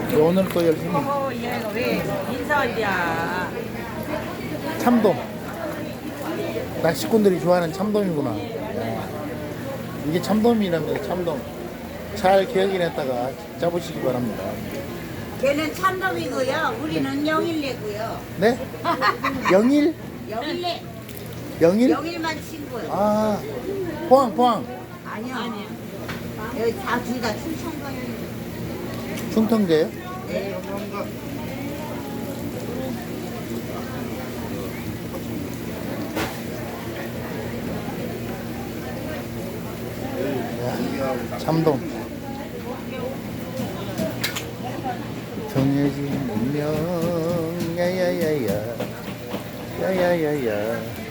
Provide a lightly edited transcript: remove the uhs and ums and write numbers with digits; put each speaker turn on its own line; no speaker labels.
오늘 또 열심히
얘가 왜 인사한디야?
참돔. 낚시꾼들이 좋아하는 참돔이구나. 이게 참돔이랍니다. 참돔. 잘 기억해냈다가 잡으시기 바랍니다.
걔는 참돔이고요. 우리는 영일레고요.
네? 영일?
영일레.
영일?
영일만 친구요.
아, 포항.
아니요. 여기 다 둘 다 충청도예요.
충청도예요?
네.
참돔. 정해진 운명 야야야야 야야야야